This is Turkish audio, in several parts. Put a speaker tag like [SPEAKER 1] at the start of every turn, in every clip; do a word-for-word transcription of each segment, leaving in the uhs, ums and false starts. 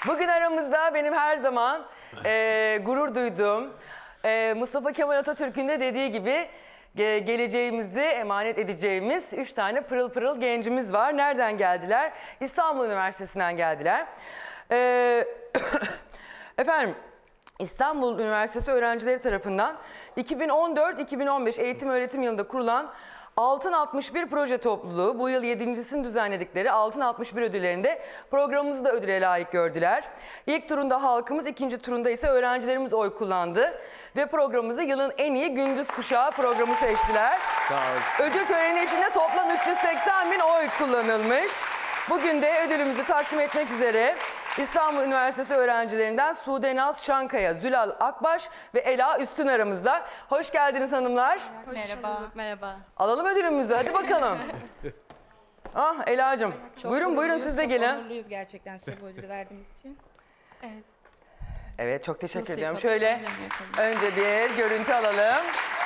[SPEAKER 1] Bugün aramızda benim her zaman e, gurur duyduğum e, Mustafa Kemal Atatürk'ün de dediği gibi ge geleceğimizi emanet edeceğimiz üç tane pırıl pırıl gencimiz var. Nereden geldiler? İstanbul Üniversitesi'nden geldiler. E, efendim İstanbul Üniversitesi öğrencileri tarafından iki bin on dört iki bin on beş eğitim öğretim yılında kurulan Altın altmış bir proje topluluğu bu yıl yedincisini düzenledikleri Altın altmış bir ödüllerinde programımızı da ödüle layık gördüler. İlk turunda halkımız, ikinci turunda ise öğrencilerimiz oy kullandı. Ve programımızı yılın en iyi gündüz kuşağı programı seçtiler. Ödül töreni içinde toplam üç yüz seksen bin oy kullanılmış. Bugün de ödülümüzü takdim etmek üzere İstanbul Üniversitesi öğrencilerinden Sude Naz Şankaya, Zülal Akbaş ve Ela Üstün aramızda. Hoş geldiniz hanımlar.
[SPEAKER 2] Hoş merhaba. Bulduk, merhaba.
[SPEAKER 1] Alalım ödülümüzü, hadi bakalım. Ah Ela'cığım, buyurun buyurun siz de gelin.
[SPEAKER 3] Çok onurluyuz gerçekten size bu ödülü verdiğimiz için.
[SPEAKER 2] Evet.
[SPEAKER 1] Evet, çok teşekkür
[SPEAKER 2] Nasıl
[SPEAKER 1] ediyorum.
[SPEAKER 2] yapalım,
[SPEAKER 1] Şöyle
[SPEAKER 2] öyle mi yapalım?
[SPEAKER 1] önce bir görüntü alalım.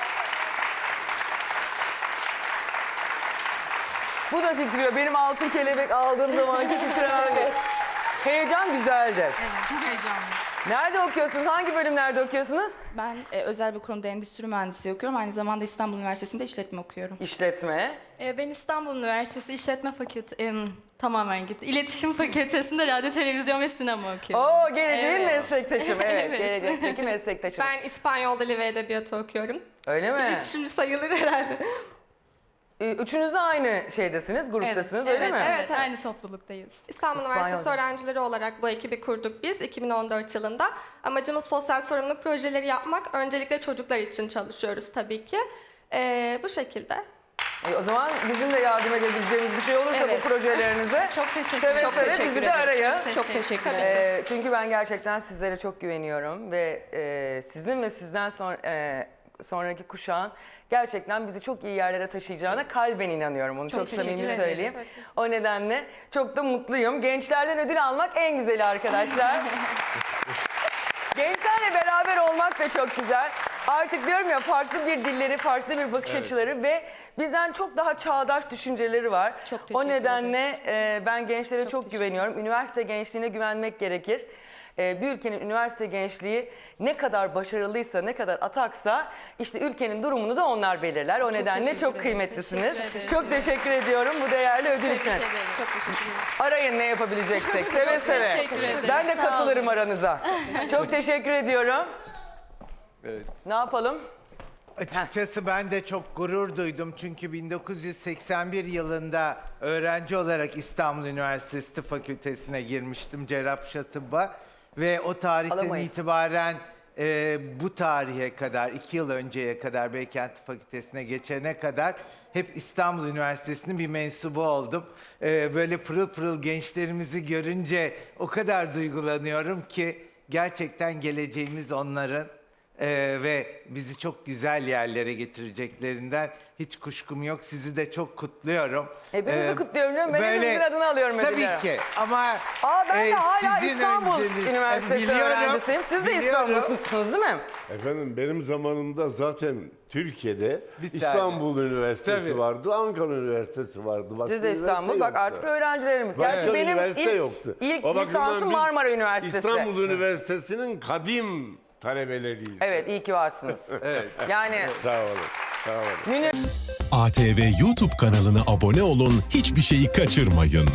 [SPEAKER 1] Bu da titriyor. Benim altın kelebek aldığım zamanki titremen. Heyecan güzeldir.
[SPEAKER 3] Evet, çok heyecanlı.
[SPEAKER 1] Nerede okuyorsunuz? Hangi bölümlerde okuyorsunuz?
[SPEAKER 3] Ben e, özel bir kurumda endüstri mühendisliği okuyorum. Aynı zamanda İstanbul Üniversitesi'nde işletme okuyorum.
[SPEAKER 1] İşletme.
[SPEAKER 2] Ee, ben İstanbul Üniversitesi İşletme Fakültesi, em, tamamen gitti. İletişim Fakültesi'nde radyo, televizyon ve sinema okuyorum.
[SPEAKER 1] Oo, geleceğin
[SPEAKER 2] Evet.
[SPEAKER 1] meslektaşım. Evet,
[SPEAKER 2] Evet.
[SPEAKER 1] gelecekteki meslektaşım.
[SPEAKER 4] Ben İspanyol Dili ve Edebiyatı okuyorum.
[SPEAKER 1] Öyle mi?
[SPEAKER 4] İletişimci sayılır herhalde.
[SPEAKER 1] Üçünüz de aynı şeydesiniz, gruptasınız öyle
[SPEAKER 2] evet,
[SPEAKER 1] mi?
[SPEAKER 2] Evet,
[SPEAKER 4] Evet, evet.
[SPEAKER 2] aynı topluluktayız.
[SPEAKER 4] İstanbul
[SPEAKER 1] İspanyol
[SPEAKER 4] Üniversitesi
[SPEAKER 1] Dili.
[SPEAKER 4] öğrencileri olarak bu ekibi kurduk biz iki bin on dört yılında. Amacımız sosyal sorumluluk projeleri yapmak. Öncelikle çocuklar için çalışıyoruz tabii ki. Ee, bu şekilde.
[SPEAKER 1] E, o zaman bizim de yardım edebileceğimiz bir şey olursa
[SPEAKER 4] Evet.
[SPEAKER 1] bu projelerinize
[SPEAKER 2] Çok teşekkür
[SPEAKER 1] seve
[SPEAKER 2] ederim.
[SPEAKER 1] seve
[SPEAKER 3] teşekkür
[SPEAKER 1] bizi de
[SPEAKER 3] ederiz.
[SPEAKER 1] arayın.
[SPEAKER 3] Çok teşekkür
[SPEAKER 4] Tabii.
[SPEAKER 3] ederim.
[SPEAKER 1] E, çünkü ben gerçekten sizlere çok güveniyorum ve e, sizin ve sizden sonra e, sonraki kuşağın gerçekten bizi çok iyi yerlere taşıyacağına kalben inanıyorum. Onu çok,
[SPEAKER 2] Çok teşekkür
[SPEAKER 1] samimi
[SPEAKER 2] ederiz.
[SPEAKER 1] söyleyeyim.
[SPEAKER 4] Çok teşekkür
[SPEAKER 1] O nedenle çok da mutluyum. Gençlerden ödül almak en güzeli arkadaşlar. Gençlerle beraber olmak da çok güzel. Artık diyorum ya, farklı bir dilleri, farklı bir bakış açıları ve bizden çok daha çağdaş düşünceleri var.
[SPEAKER 3] Çok
[SPEAKER 1] O
[SPEAKER 3] teşekkür
[SPEAKER 1] nedenle e, ben gençlere çok,
[SPEAKER 3] teşekkür
[SPEAKER 1] güveniyorum. Üniversite gençliğine güvenmek gerekir. E, bir ülkenin üniversite gençliği ne kadar başarılıysa, ne kadar ataksa işte ülkenin durumunu da onlar belirler. O nedenle
[SPEAKER 3] teşekkür
[SPEAKER 1] çok
[SPEAKER 3] ederim.
[SPEAKER 1] kıymetlisiniz.
[SPEAKER 2] Teşekkür ederim.
[SPEAKER 1] Çok teşekkür ediyorum bu değerli ödül için.
[SPEAKER 2] Tebrik ederim.
[SPEAKER 3] Çok teşekkür ederim.
[SPEAKER 1] Arayın ne yapabileceksek seve seve.
[SPEAKER 2] teşekkür ederim.
[SPEAKER 1] Ben de
[SPEAKER 2] Sağ
[SPEAKER 1] katılırım
[SPEAKER 2] olun.
[SPEAKER 1] aranıza. Çok teşekkür ediyorum.
[SPEAKER 5] Evet.
[SPEAKER 1] Ne yapalım?
[SPEAKER 5] Açıkçası ben de çok gurur duydum çünkü bin dokuz yüz seksen bir yılında öğrenci olarak İstanbul Üniversitesi Tıp Fakültesine girmiştim, Cerrahpaşa Tıbba ve o tarihten
[SPEAKER 1] Alamayız.
[SPEAKER 5] itibaren e, bu tarihe kadar, iki yıl önceye kadar Beykent Tıp Fakültesine geçene kadar hep İstanbul Üniversitesi'nin bir mensubu oldum. E, böyle pırıl pırıl gençlerimizi görünce o kadar duygulanıyorum ki gerçekten geleceğimiz onların. Ee, ve bizi çok güzel yerlere getireceklerin hiç kuşkum yok. Sizi de çok kutluyorum.
[SPEAKER 1] Hepimizi
[SPEAKER 5] Ee,
[SPEAKER 1] kutluyorum canım. Ben
[SPEAKER 5] böyle-
[SPEAKER 1] hepimizin adını alıyorum
[SPEAKER 5] Tabii
[SPEAKER 1] ödülleri.
[SPEAKER 5] ki ama
[SPEAKER 1] Aa, ben de
[SPEAKER 5] e,
[SPEAKER 1] hala
[SPEAKER 5] sizin
[SPEAKER 1] İstanbul
[SPEAKER 5] önceliği-
[SPEAKER 1] Üniversitesi
[SPEAKER 5] Biliyorum,
[SPEAKER 1] öğrencisiyim. Siz de
[SPEAKER 5] biliyorum.
[SPEAKER 1] İstanbul'sunuz değil mi?
[SPEAKER 6] Efendim benim zamanımda zaten Türkiye'de
[SPEAKER 5] Bir tane.
[SPEAKER 6] İstanbul Üniversitesi
[SPEAKER 5] Tabii.
[SPEAKER 6] vardı, Ankara Üniversitesi vardı. Başka
[SPEAKER 1] Siz de İstanbul.
[SPEAKER 6] üniversite
[SPEAKER 1] Bak
[SPEAKER 6] yoktu.
[SPEAKER 1] artık öğrencilerimiz.
[SPEAKER 6] Başka
[SPEAKER 1] Gerçi benim
[SPEAKER 6] üniversite
[SPEAKER 1] ilk,
[SPEAKER 6] yoktu.
[SPEAKER 1] ilk
[SPEAKER 6] O bakımdan
[SPEAKER 1] lisansım
[SPEAKER 6] biz
[SPEAKER 1] Marmara Üniversitesi.
[SPEAKER 6] İstanbul Üniversitesi'nin kadim talebeleriyiz.
[SPEAKER 1] Evet, iyi ki varsınız.
[SPEAKER 5] Evet.
[SPEAKER 1] Yani
[SPEAKER 6] Sağ olun, sağ olun.
[SPEAKER 1] Münir
[SPEAKER 7] A T V YouTube kanalına abone olun, hiçbir şeyi kaçırmayın.